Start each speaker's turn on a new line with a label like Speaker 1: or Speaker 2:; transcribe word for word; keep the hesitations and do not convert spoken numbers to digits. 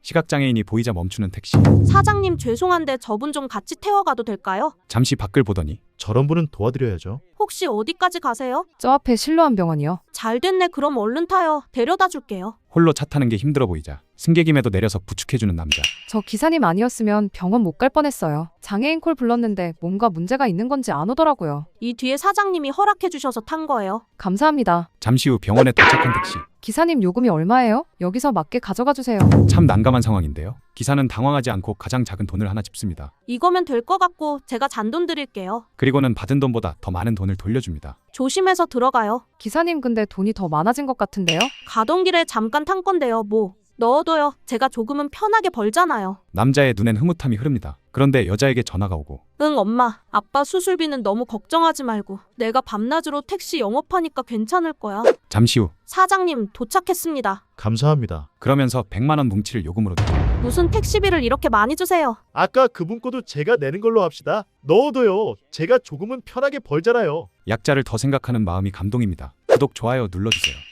Speaker 1: 시각장애인이 보이자 멈추는 택시.
Speaker 2: 사장님 죄송한데 저분 좀 같이 태워가도 될까요?
Speaker 1: 잠시 밖을 보더니
Speaker 3: 저런 분은 도와드려야죠.
Speaker 2: 혹시 어디까지 가세요?
Speaker 4: 저 앞에 실로암 병원이요.
Speaker 2: 잘 됐네. 그럼 얼른 타요. 데려다 줄게요.
Speaker 1: 홀로 차 타는 게 힘들어 보이자 승객임에도 내려서 부축해주는 남자.
Speaker 4: 저 기사님 아니었으면 병원 못 갈 뻔했어요. 장애인 콜 불렀는데 뭔가 문제가 있는 건지 안 오더라고요.
Speaker 2: 이 뒤에 사장님이 허락해 주셔서 탄 거예요.
Speaker 4: 감사합니다.
Speaker 1: 잠시 후 병원에 도착한 택시.
Speaker 4: 기사님 요금이 얼마예요? 여기서 맞게 가져가 주세요.
Speaker 1: 참 난감한 상황인데요. 기사는 당황하지 않고 가장 작은 돈을 하나 짚습니다.
Speaker 2: 이거면 될 것 같고 제가 잔돈 드릴게요.
Speaker 1: 그리고는 받은 돈보다 더 많은 돈을 돌려줍니다.
Speaker 2: 조심해서 들어가요.
Speaker 4: 기사님 근데 돈이 더 많아진 것 같은데요?
Speaker 2: 가던 길에 잠깐 탄 건데요. 뭐 넣어둬요. 제가 조금은 편하게 벌잖아요.
Speaker 1: 남자의 눈엔 흐뭇함이 흐릅니다. 그런데 여자에게 전화가 오고
Speaker 2: 응 엄마, 아빠 수술비는 너무 걱정하지 말고 내가 밤낮으로 택시 영업하니까 괜찮을 거야.
Speaker 1: 잠시 후
Speaker 2: 사장님 도착했습니다.
Speaker 3: 감사합니다.
Speaker 1: 그러면서 백만 원 뭉치를 요금으로 드립니다.
Speaker 2: 무슨 택시비를 이렇게 많이 주세요?
Speaker 3: 아까 그분 거도 제가 내는 걸로 합시다. 넣어둬요. 제가 조금은 편하게 벌잖아요.
Speaker 1: 약자를 더 생각하는 마음이 감동입니다. 구독, 좋아요 눌러주세요.